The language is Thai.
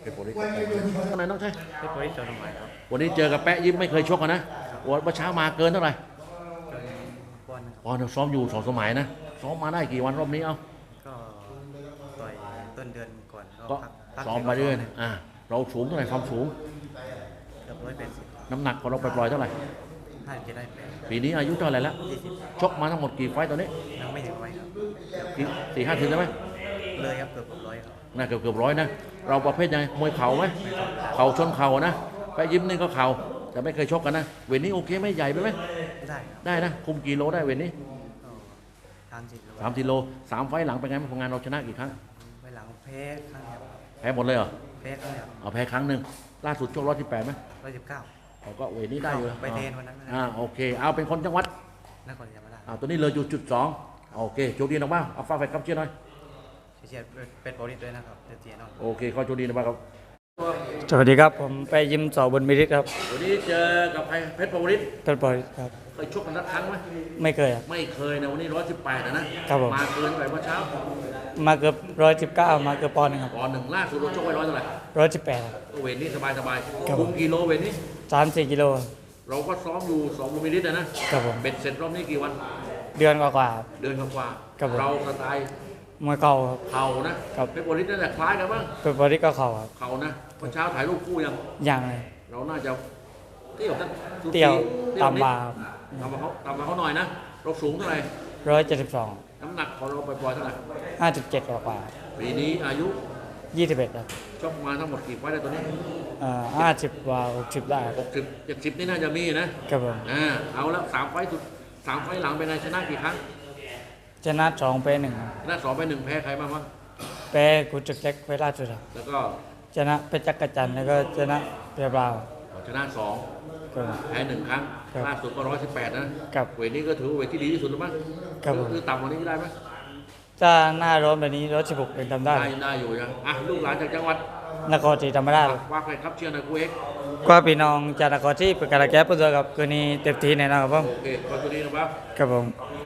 เป็นโปรลิสข้างในน้องใช่เป็นโปรลิสจอร์นใหม่ครับวันนี้เจอกับแปะยิ้มไม่เคยชกกันนะวันเช้ามาเกินเท่าไหร่บอลอ๋อซ้อมอยู่2 สมัยนะซ้อมมาได้กี่วันรอบนี้ก็ต่อยต้นเดือนก่อนก็ซ้อมมาเรื่อยเราสูงเท่าไหร่ความสูงเกือบ180 น้ำหนักของเราปล่อยๆเท่าไหร่ 50ได้8 ปีนี้อายุเท่าไหร่แล้ว 20 ชกมาทั้งหมดกี่ไฟต์ตอนนี้ยังไม่ถึงร้อยครับ 4-5 ถึงใช่ไหมเลยครับเกือบ100ครับน่าเกือบร้อยนะเราประเภทยังไงมวยเข่าไหมเข่าชนเข่านะแปะยิ้มนี่ก็เข่าแต่ไม่เคยชกกันนะเวทนี้โอเคไหมใหญ่ไปไหมได้ครับได้นะคุมกี่โลได้เวทนี้ 30 โล 3 ไฟต์หลังเป็นไงผลงานเราชนะกี่ครั้งไปหลังแพ้ครั้งครับแพ้หมดเลยเหรอแพ้ครั้งเดียวเอาแพ้ครั้งหนึ่งล่าสุดชก118ไหม 119 เขาก็เวทนี้ได้อยู่ไปเทนวันนั้นโอเคเอาเป็นคนจังหวัดนครศรีธรรมราชตัวนี้เลยจุด2โอเคโชคดีนะบ้างเอาฟ้าแฟนครับเชียร์หน่อยเชียร์เป็นโปรลิสด้วยนะครับเชียร์น้องโอเคขอโชคดีนะบ้างครับสวัสดีครับผมไปยิมสอบนมิริครับวันนี้เจอกับใครเพชรปวริศเพชรปวริศครับเคยชกกันนัดครั้งไหมไม่เคยครับไม่เคยนะวันนี้118นะครับผมมาเกินไปเมื่อเช้ามาเกือบ119มาเกือบปอนด์นึงครับปอนด์หนึ่งล่าสุดเราชกไว้100เท่าไหร่ 118ครับก็เวทนี้สบายคุมกิโลเวทนี้ 3-4 กิโลเราก็ซ้อมอยู่2 ลูมิลิตรนะครับผมเบ็ดเสร็จรอบนี้กี่วันเดือนกว่าเดือนกว่าเราสไตล์มวยเข่าครับเข่านะเพชรปวริศนั่นแหละคล้ายกันบ้างเพชรปวริศก็เข่าครับเข่านะเมื่อเช้าถ่ายรูปคู่ยังเลยเราน่าจะเตี้ยวต่ำมาต่ำมาเขาหน่อยนะเราสูงเท่าไหร่ 172 น้ำหนักของเราปล่อยๆเท่าไหร่ 57กว่าปีนี้อายุ 21ครับชกมาทั้งหมดกี่ไฟต์ได้ตัวนี้ 50กว่า60ได้ 60 70นี่น่าจะมีนะครับผมเอาแล้ว3 ไฟต์สุด3 ไฟต์หลังเป็นไงชนะกี่ครั้งชนะ2ไป1 ชนะ2 ไป 1แพ้ใครบ้างแพ้กุจุกเล็กเวลาสุดครับแล้วก็ชนะเพชรจักรจันทร์แล้วก็ชนะเปียบราวชนะ2แพ้1 ครั้งล่าสุดก็118นะเวทนี้ก็ถือเวทที่ดีที่สุดแล้วมั้งคือต่ำกว่านี้ได้ไหมถ้าหน้าร้อนแบบนี้116เป็นทำได้อยู่นะลูกหลานจากจังหวัดนครศรีธรรมราชว่าใครครับเชียร์หน่อยกูเอกก็พี่น้องจากนครศรีประกาศแก้ปัญหากับคืนนี้เต็มที่แน่นอนครับผมโอเคขอบคุณดีนะครับครับผม